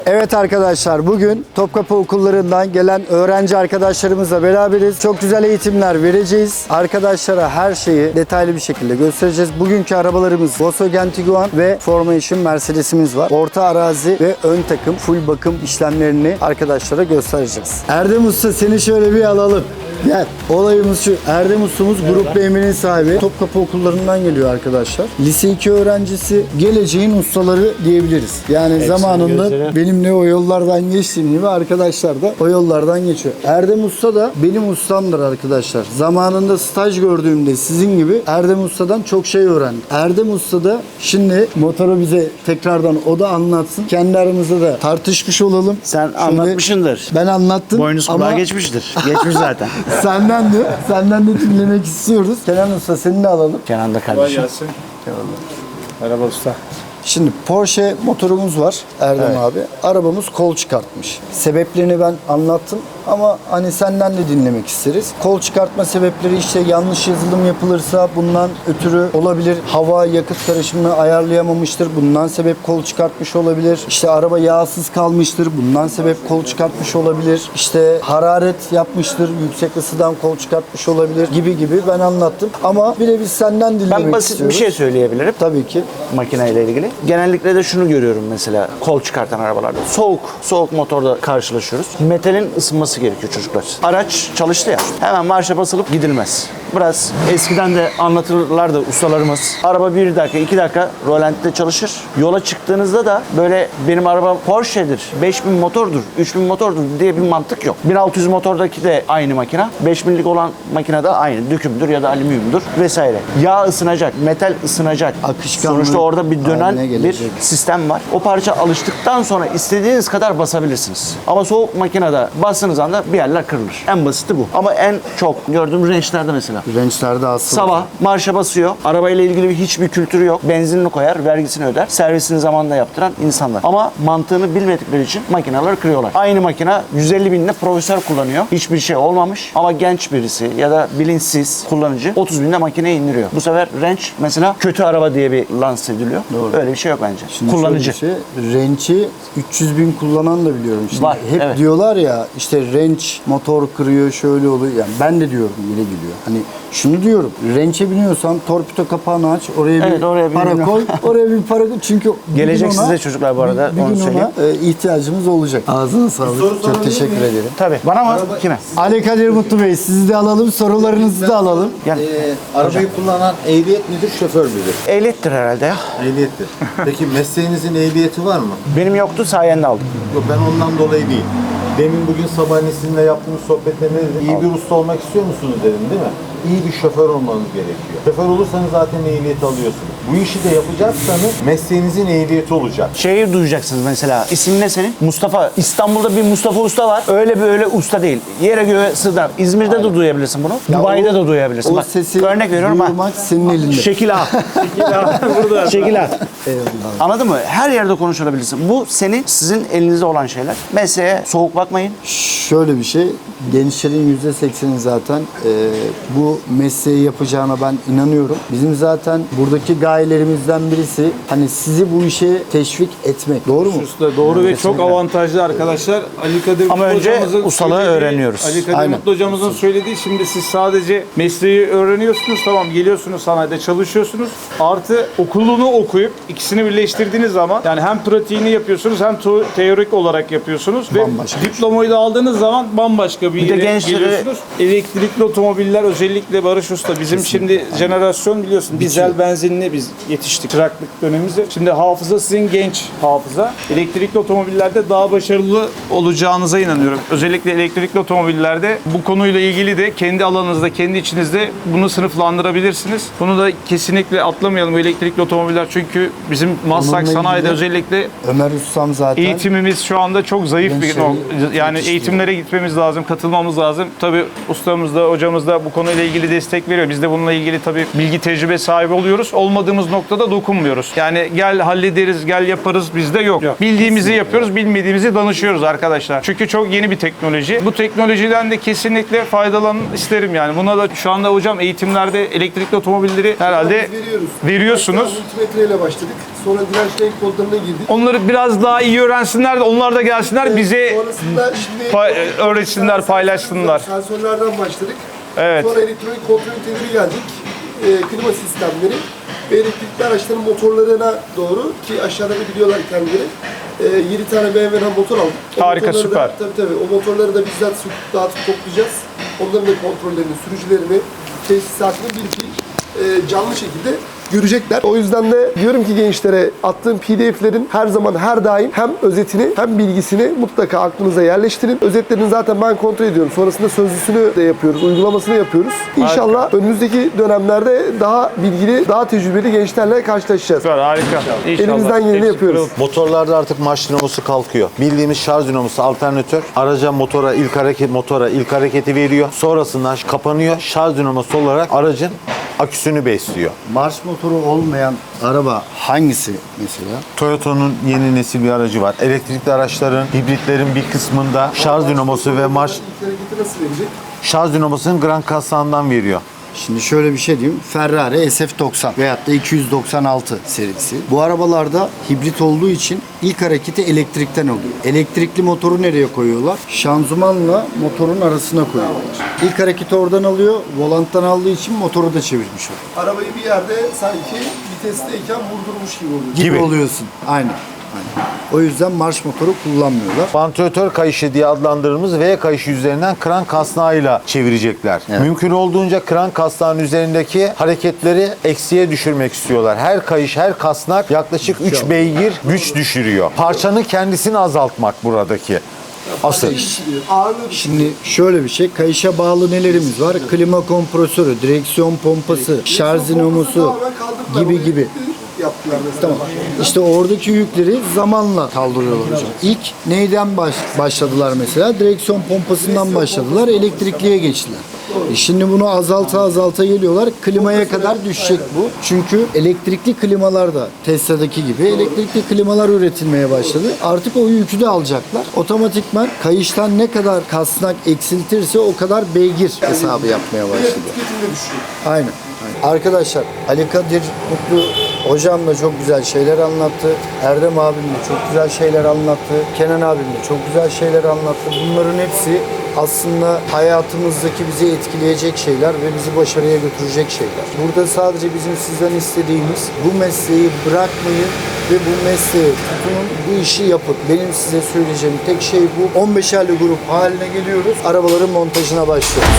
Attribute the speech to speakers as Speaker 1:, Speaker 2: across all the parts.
Speaker 1: Evet arkadaşlar, bugün Topkapı okullarından gelen öğrenci arkadaşlarımızla beraberiz. Çok güzel eğitimler vereceğiz. Arkadaşlara her şeyi detaylı bir şekilde göstereceğiz. Bugünkü arabalarımız Volkswagen Tiguan ve Formation Mercedes'imiz var. Orta arazi ve ön takım full bakım işlemlerini arkadaşlara göstereceğiz. Erdem Usta, seni şöyle bir alalım. Gel. Olayımız şu. Erdem Ustamız Grup BM'nin sahibi. Topkapı okullarından geliyor arkadaşlar. Lise 2 öğrencisi, geleceğin ustaları diyebiliriz. Yani zamanında benimle o yollardan geçtiğim gibi arkadaşlar da o yollardan geçiyor. Erdem Usta da benim ustamdır arkadaşlar. Zamanında staj gördüğümde sizin gibi Erdem Usta'dan çok şey öğrendim. Erdem Usta da şimdi motoru bize tekrardan o da anlatsın. Kendi aramızda da tartışmış olalım.
Speaker 2: Sen
Speaker 1: Şimdi
Speaker 2: anlatmışsındır.
Speaker 1: ben anlattım.
Speaker 2: Boynuz kulağa
Speaker 1: ama
Speaker 2: geçmiştir. Geçmiş zaten.
Speaker 1: Senden de dinlemek istiyoruz. Kenan Usta, seni de alalım.
Speaker 2: Kenan da
Speaker 3: Kolay
Speaker 2: kardeşim.
Speaker 3: gelsin. Merhaba usta.
Speaker 1: Şimdi Porsche motorumuz var Erdem abi. Arabamız kol çıkartmış. Sebeplerini ben anlattım ama hani senden de dinlemek isteriz. Kol çıkartma sebepleri işte yanlış yazılım yapılırsa bundan ötürü olabilir. Hava yakıt karışımını ayarlayamamıştır. Bundan sebep kol çıkartmış olabilir. İşte araba yağsız kalmıştır. Bundan sebep kol çıkartmış olabilir. İşte hararet yapmıştır. Yüksek ısıdan kol çıkartmış olabilir gibi ben anlattım. Ama birebir senden dinlemek
Speaker 2: Ben basit
Speaker 1: istiyoruz.
Speaker 2: bir şey söyleyebilirim
Speaker 1: Tabii ki.
Speaker 2: makineyle ilgili. Genellikle de şunu görüyorum mesela kol çıkartan arabalarda. Soğuk motorda karşılaşıyoruz. Metalin ısınması gerekiyor çocuklar. Araç çalıştı ya. Hemen marşa basılıp gidilmez. Biraz eskiden de anlatırlardı ustalarımız. Araba 1 dakika 2 dakika rolanti'de çalışır. Yola çıktığınızda da böyle benim arabam Porsche'dir, 5000 motordur, 3000 motordur diye bir mantık yok. 1600 motordaki de aynı makine. 5000'lik olan makine de aynı. Dökümdür ya da alüminyumdur vesaire. Yağ ısınacak, metal ısınacak.
Speaker 1: Akışkanlı
Speaker 2: Sonuçta orada bir dönen
Speaker 1: haline
Speaker 2: bir
Speaker 1: gelecek.
Speaker 2: sistem var. O parça alıştıktan sonra istediğiniz kadar basabilirsiniz. Ama soğuk makinede bastığınız anda bir yerler kırılır. En basiti bu. Ama en çok gördüğüm rençlerde mesela.
Speaker 1: Rençlerde asıl.
Speaker 2: Sabah marşa basıyor. Arabayla ilgili hiçbir kültürü yok. Benzinini koyar, vergisini öder. Servisini zamanında yaptıran insanlar. Ama mantığını bilmedikleri için makineleri kırıyorlar. Aynı makine 150 binle profesör kullanıyor. Hiçbir şey olmamış. Ama genç birisi ya da bilinçsiz kullanıcı 30 binde makineyi indiriyor. Bu sefer renç mesela kötü araba diye bir lanse ediliyor.
Speaker 1: Doğru.
Speaker 2: Öyle bir şey yok bence.
Speaker 1: Şimdi
Speaker 2: Kullanıcı.
Speaker 1: şöyle bir şey, rençi 300 bin kullanan da biliyorum. Şimdi
Speaker 2: Var,
Speaker 1: hep
Speaker 2: evet.
Speaker 1: diyorlar ya işte renç motor kırıyor şöyle oluyor. Yani ben de diyorum yine geliyor. Hani şunu diyorum. Rençe biniyorsan torpido kapağını aç. Oraya
Speaker 2: Evet,
Speaker 1: bir
Speaker 2: oraya
Speaker 1: para
Speaker 2: bilmiyorum.
Speaker 1: koy. Oraya bir para koy. Çünkü bir
Speaker 2: Gelecek
Speaker 1: gün ona,
Speaker 2: size çocuklar bu arada,
Speaker 1: Bir
Speaker 2: onu
Speaker 1: gün
Speaker 2: söyleyeyim.
Speaker 1: ona ihtiyacımız olacak. Ağzına sağlık. Çok teşekkür ederim.
Speaker 2: Tabii. Bana mı? Kime?
Speaker 1: Ali Kadir Mutlu Bey, sizi de alalım. Sorularınızı da alalım.
Speaker 2: Gel.
Speaker 4: Arabayı kullanan ehliyet midir, şoför müdür?
Speaker 2: Ehliyettir herhalde ya.
Speaker 4: Ehliyettir. Peki mesleğinizin ehliyeti var mı?
Speaker 2: Benim yoktu, sayende aldım.
Speaker 4: Yok, ben ondan dolayı değil. Demin bugün sabahleyin sizinle yaptığımız sohbette ne dedim? İyi bir usta olmak istiyor musunuz dedim, değil mi? İyi bir şoför olmanız gerekiyor. Şoför olursanız zaten ehliyeti alıyorsunuz. Bu işi de yapacaksanız mesleğinizin ehliyeti olacak.
Speaker 2: Şeyi duyacaksınız mesela. İsim ne senin? Mustafa. İstanbul'da bir Mustafa Usta var. Öyle böyle usta değil. Yere göğe sığdıran. İzmir'de de duyabilirsin bunu.
Speaker 1: Ya
Speaker 2: Dubai'de
Speaker 1: o-
Speaker 2: de duyabilirsin.
Speaker 1: O
Speaker 2: Bak,
Speaker 1: sesi
Speaker 2: örnek veriyorum ha.
Speaker 1: duymak senin elinde.
Speaker 2: Şekil A. Şekil A.
Speaker 1: Eyvallah.
Speaker 2: Anladın mı? Her yerde konuşulabilirsin. Bu sizin elinizde olan şeyler. Mesleğe soğuk bakmayın.
Speaker 1: Şöyle bir şey, gençlerin %80'i zaten bu mesleği yapacağına ben inanıyorum. Bizim zaten buradaki gayelerimizden birisi hani sizi bu işe teşvik etmek. Doğru mu?
Speaker 3: Usta doğru ve çok
Speaker 1: Kesinlikle.
Speaker 3: avantajlı arkadaşlar. Ali Kadir
Speaker 2: Ama
Speaker 3: Mutlu
Speaker 2: önce
Speaker 3: hocamızın
Speaker 2: ustalığı
Speaker 3: söylediği-
Speaker 2: öğreniyoruz.
Speaker 3: Ali Kadir
Speaker 1: Aynen.
Speaker 3: Mutlu hocamızın söylediği, şimdi siz sadece mesleği öğreniyorsunuz, tamam, geliyorsunuz sanayide çalışıyorsunuz. Artı okulunu okuyup ikisini birleştirdiğiniz zaman yani hem pratiğini yapıyorsunuz hem teorik olarak yapıyorsunuz ve
Speaker 1: Bambaşka bir şey.
Speaker 3: diplomayı da aldığınız zaman bambaşka bir
Speaker 2: Bir de
Speaker 3: yere
Speaker 2: gençlere-
Speaker 3: geliyorsunuz. Elektrikli otomobiller, özellikle Barış Usta bizim şimdi jenerasyon biliyorsun dizel benzinli biz yetiştik çıraklık dönemimizde. Şimdi hafıza sizin genç hafıza. Elektrikli otomobillerde daha başarılı olacağınıza inanıyorum. Özellikle elektrikli otomobillerde bu konuyla ilgili de kendi alanınızda, kendi içinizde bunu sınıflandırabilirsiniz. Bunu da kesinlikle atlamayalım, bu elektrikli otomobiller, çünkü bizim Maslak
Speaker 1: Onunla
Speaker 3: sanayide
Speaker 1: ilgili
Speaker 3: özellikle
Speaker 1: Ömer Ustam zaten
Speaker 3: eğitimimiz şu anda çok zayıf bir
Speaker 1: gençleri
Speaker 3: yani
Speaker 1: yetiştiriyor.
Speaker 3: eğitimlere gitmemiz lazım, katılmamız lazım. Tabii ustamız da hocamız da bu konuyla ilgili destek veriyor. Biz de bununla ilgili tabii bilgi tecrübe sahibi oluyoruz. Olmadığımız noktada dokunmuyoruz. Yani gel hallederiz, gel yaparız bizde yok. Bildiğimizi yapıyoruz, bilmediğimizi danışıyoruz arkadaşlar. Çünkü çok yeni bir teknoloji. Bu teknolojiden de kesinlikle faydalanın isterim yani. Buna da şu anda hocam eğitimlerde elektrikli otomobilleri herhalde veriyorsunuz.
Speaker 5: Multimetreyle başladık. Sonra direnç renk kodlarına girdik.
Speaker 3: Onları biraz daha iyi öğrensinler de onlar da gelsinler bize
Speaker 5: Sonrasında şimdi
Speaker 3: öğretsinler, paylaşsınlar.
Speaker 5: Sensörlerden başladık.
Speaker 3: Evet.
Speaker 5: Sonra elektronik kontrol üniteleri geldik. Klima sistemleri ve elektrikli araçların motorlarına doğru ki aşağıda da biliyorlar kendileri. 7 tane BMW'den motor aldık.
Speaker 3: Harika,
Speaker 5: motorları
Speaker 3: süper.
Speaker 5: Da, tabii. O motorları da bizzat söküp dağıtıp toplayacağız. Onların da kontrollerini, sürücülerini, tesisatını bir canlı şekilde görecekler. O yüzden de diyorum ki gençlere attığım PDF'lerin her zaman her daim hem özetini hem bilgisini mutlaka aklınıza yerleştirin. Özetlerini zaten ben kontrol ediyorum. Sonrasında sözlüsünü de yapıyoruz, uygulamasını yapıyoruz. İnşallah önümüzdeki dönemlerde daha bilgili, daha tecrübeli gençlerle karşılaşacağız.
Speaker 3: Süper, harika. İnşallah.
Speaker 5: Elimizden geleni yapıyoruz.
Speaker 4: Motorlarda artık marş dinamosu kalkıyor. Bildiğimiz şarj dinamosu alternatör araca motora ilk hareketi veriyor. Sonrasında kapanıyor. Şarj dinamosu olarak aracın aküsünü besliyor.
Speaker 1: Marş motoru olmayan araba hangisi mesela?
Speaker 4: Toyota'nın yeni nesil bir aracı var. Elektrikli araçların, hibritlerin bir kısmında şarj dinamosu ve marş
Speaker 5: İlk hareketi nasıl verecek?
Speaker 4: şarj dinamosunun Grand Cassa'ndan veriyor.
Speaker 1: Şimdi şöyle bir şey diyeyim. Ferrari SF90 veyahut da 296 serisi. Bu arabalarda hibrit olduğu için ilk hareketi elektrikten oluyor. Elektrikli motoru nereye koyuyorlar? Şanzımanla motorun arasına koyuyorlar. İlk hareketi oradan alıyor. Volanttan aldığı için motoru da çevirmiş oluyor.
Speaker 5: Arabayı bir yerde sanki vitesteyken vurdurmuş gibi oluyor.
Speaker 1: Gibi
Speaker 4: Gibi.
Speaker 1: oluyorsun. Aynen. O yüzden marş motoru kullanmıyorlar.
Speaker 4: Vantilatör kayışı diye adlandırdığımız V kayışı üzerinden kran kasnağıyla çevirecekler.
Speaker 1: Evet.
Speaker 4: Mümkün olduğunca kran kasnağının üzerindeki hareketleri eksiye düşürmek istiyorlar. Her kayış, her kasnak yaklaşık 3 beygir güç düşürüyor. Parçanın kendisini azaltmak buradaki asıl.
Speaker 5: Ağırlığı
Speaker 1: Şimdi şöyle bir şey. Kayışa bağlı nelerimiz var? Klima kompresörü, direksiyon pompası, şarj dinamosu gibi.
Speaker 5: yaptılar mesela.
Speaker 1: Tamam. İşte oradaki yükleri zamanla kaldırıyorlar hocam. İlk neyden başladılar mesela? Direksiyon pompasından başladılar. Elektrikliye geçtiler. Şimdi bunu azalta geliyorlar. Klimaya kadar düşecek bu. Çünkü elektrikli klimalar da Tesla'daki gibi elektrikli klimalar üretilmeye başladı. Artık o yükü de alacaklar. Otomatikman kayıştan ne kadar kasnak eksiltirse o kadar beygir hesabı yapmaya başladı.
Speaker 5: Tüketimde düşüyor.
Speaker 1: Aynen. Arkadaşlar Ali Kadir Mutlu hocam da çok güzel şeyler anlattı. Erdem abim de çok güzel şeyler anlattı. Kenan abim de çok güzel şeyler anlattı. Bunların hepsi aslında hayatımızdaki bizi etkileyecek şeyler ve bizi başarıya götürecek şeyler. Burada sadece bizim sizden istediğimiz bu mesleği bırakmayın ve bu mesleği tutunun, bu işi yapın. Benim size söyleyeceğim tek şey bu. 15'erli grup haline geliyoruz. Arabaların montajına başlıyoruz.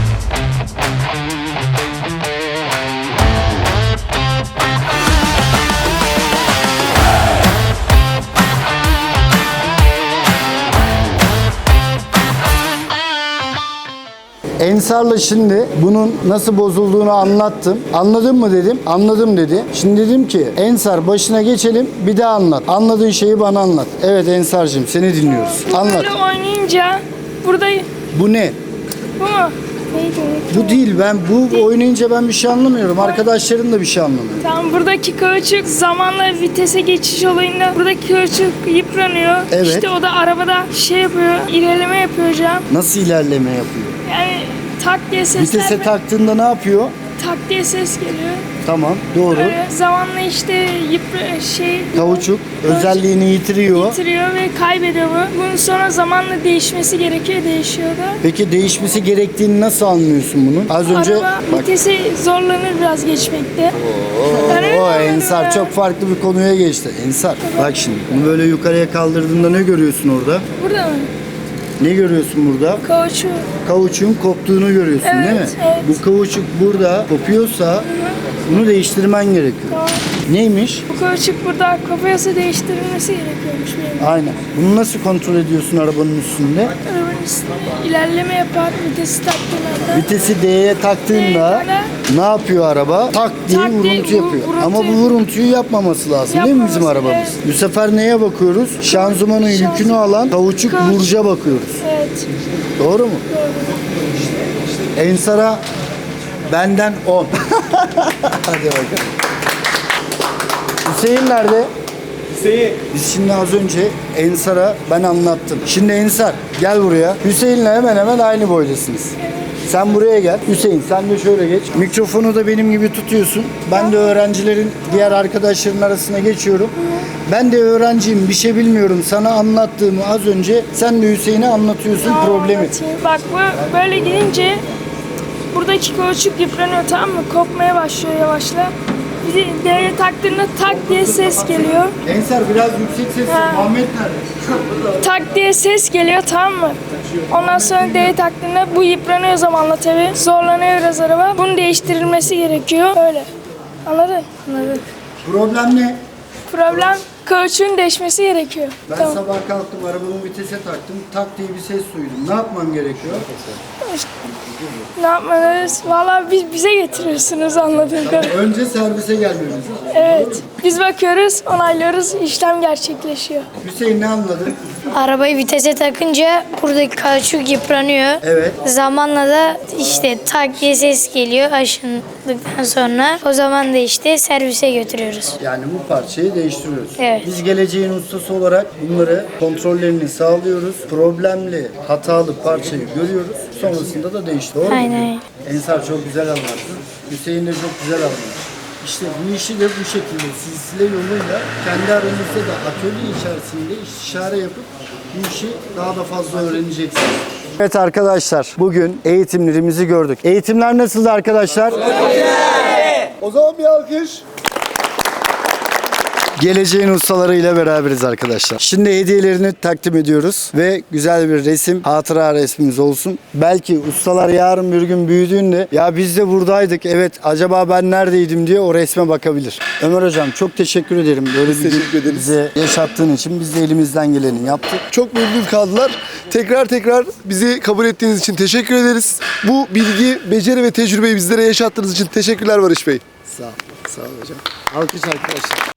Speaker 1: Ensar'la şimdi bunun nasıl bozulduğunu anlattım. Anladın mı dedim. Anladım dedi. Şimdi dedim ki Ensar başına geçelim bir daha anlat. Anladığın şeyi bana anlat. Evet Ensar'cığım seni dinliyoruz. Anlat.
Speaker 6: Böyle oynayınca burada
Speaker 1: Bu ne?
Speaker 6: bu mu? Neydi?
Speaker 1: Bu değil. Ben bu oynayınca ben bir şey anlamıyorum. Arkadaşlarım da bir şey anlamıyor.
Speaker 6: Tam buradaki kauçuk zamanla vitese geçiş olayında buradaki kauçuk yıpranıyor.
Speaker 1: Evet.
Speaker 6: İşte o da arabada şey yapıyor, ilerleme yapıyor hocam.
Speaker 1: Nasıl ilerleme yapıyor?
Speaker 6: Yani tak diye sesler
Speaker 1: Vitese taktığında ne yapıyor?
Speaker 6: tak diye ses geliyor.
Speaker 1: Tamam doğru.
Speaker 6: Böyle zamanla işte
Speaker 1: Kauçuk özelliğini yitiriyor.
Speaker 6: bitiriyor ve kaybediyor bu. Bunun sonra zamanla değişmesi gerekiyor, değişiyor da.
Speaker 1: Peki değişmesi gerektiğini nasıl anlıyorsun bunu? Az önce
Speaker 6: Araba
Speaker 1: bak.
Speaker 6: vitesi zorlanır biraz geçmekte. Ben öyle
Speaker 1: O
Speaker 6: anladım
Speaker 1: Ensar
Speaker 6: ya.
Speaker 1: çok farklı bir konuya geçti. Ensar bak şimdi bunu böyle yukarıya kaldırdığında ne görüyorsun orada?
Speaker 6: Burada mı?
Speaker 1: Ne görüyorsun burada?
Speaker 6: Kauçuk.
Speaker 1: Kavuçuğun koptuğunu görüyorsun
Speaker 6: Evet,
Speaker 1: değil mi?
Speaker 6: evet.
Speaker 1: Bu kavuçuk burada kopuyorsa bunu değiştirmen gerekiyor.
Speaker 6: Tamam.
Speaker 1: Neymiş?
Speaker 6: Bu kauçuk burada kopuyorsa değiştirilmesi gerekiyormuş benim.
Speaker 1: Aynen. Bunu nasıl kontrol ediyorsun arabanın üstünde?
Speaker 6: Arabanın ilerleme yapar vitesi taktığında.
Speaker 1: Vitesi D'ye taktığında ne yapıyor araba? Tak diye
Speaker 6: Tak diye
Speaker 1: vuruntu yapıyor.
Speaker 6: vuruntu
Speaker 1: Ama bu
Speaker 6: yapıyor.
Speaker 1: vuruntuyu yapmaması lazım değil mi bizim
Speaker 6: Yapmaması,
Speaker 1: arabamız?
Speaker 6: evet.
Speaker 1: Bu sefer neye bakıyoruz? Şanzımanın yükünü alan kauçuk burca bakıyoruz.
Speaker 6: Evet.
Speaker 1: Doğru mu? Ensar'a benden 10. Hadi bakalım. Hüseyin nerede? Biz şimdi az önce Ensar'a ben anlattım. Şimdi Ensar gel buraya. Hüseyin'le hemen hemen aynı boydasınız. Sen buraya gel. Hüseyin sen de şöyle geç. Mikrofonu da benim gibi tutuyorsun. Ben de öğrencilerin diğer arkadaşların arasına geçiyorum. Ben de öğrenciyim. Bir şey bilmiyorum. Sana anlattığımı az önce sen de Hüseyin'e anlatıyorsun problemi.
Speaker 6: Anlatayım. Bak bu böyle gidince buradaki kauçuk yıpranıyor, tamam mı? Kopmaya başlıyor yavaşla. Bir de D'ye taktığında tak diye ses geliyor.
Speaker 1: Ensar biraz yüksek sesle.
Speaker 6: Ha.
Speaker 1: Muhammed nerede?
Speaker 6: Tak diye ses geliyor, tamam mı? Ondan sonra D'ye taktığında bu yıpranıyor zamanla tabii. Zorlanıyor biraz araba. Bunun değiştirilmesi gerekiyor. Öyle. Anladın? Anladım.
Speaker 1: Problem ne?
Speaker 6: Problem kauçuğun değişmesi gerekiyor.
Speaker 1: Ben
Speaker 6: Tamam.
Speaker 1: sabah kalktım, arabamı vitese taktım, tak diye bir ses duydum. Ne yapmam gerekiyor?
Speaker 6: Ne yapmalıyız? Valla bize getiriyorsunuz anladığım kadarıyla.
Speaker 1: Önce servise gelmemiz lazım.
Speaker 6: Evet. Biz bakıyoruz, onaylıyoruz, işlem gerçekleşiyor.
Speaker 1: Hüseyin ne anladın?
Speaker 7: Arabayı vitese takınca buradaki kauçuk yıpranıyor.
Speaker 1: Evet.
Speaker 7: Zamanla da işte tak diye ses geliyor aşındıktan sonra. O zaman da işte servise götürüyoruz.
Speaker 1: Yani bu parçayı değiştiriyoruz.
Speaker 7: Evet.
Speaker 1: Biz geleceğin ustası olarak bunları kontrollerini sağlıyoruz. Problemli, hatalı parçayı görüyoruz. Sonrasında da değiştiriyoruz. Doğru mu?
Speaker 7: Aynen.
Speaker 1: Ensar çok güzel anlattı. Hüseyin de çok güzel anlattı. İşte bu işi de bu şekilde silsile yoluyla kendi aranızda da atölye içerisinde istişare yapıp bu işi daha da fazla öğreneceksiniz. Evet arkadaşlar, bugün eğitimlerimizi gördük. Eğitimler nasıldı arkadaşlar?
Speaker 5: O zaman bir alkış.
Speaker 1: Geleceğin ustalarıyla beraberiz arkadaşlar. Şimdi hediyelerini takdim ediyoruz ve güzel bir resim, hatıra resmimiz olsun. Belki ustalar yarın bir gün büyüdüğünde ya biz de buradaydık, evet acaba ben neredeydim diye o resme bakabilir. Ömer Hocam çok teşekkür ederim. Böyle bir gün bize yaşattığın için biz de elimizden geleni yaptık.
Speaker 5: Çok memnun kaldılar. Tekrar bizi kabul ettiğiniz için teşekkür ederiz. Bu bilgi, beceri ve tecrübeyi bizlere yaşattığınız için teşekkürler Barış Bey.
Speaker 1: Sağ ol hocam. Alkış arkadaşlar.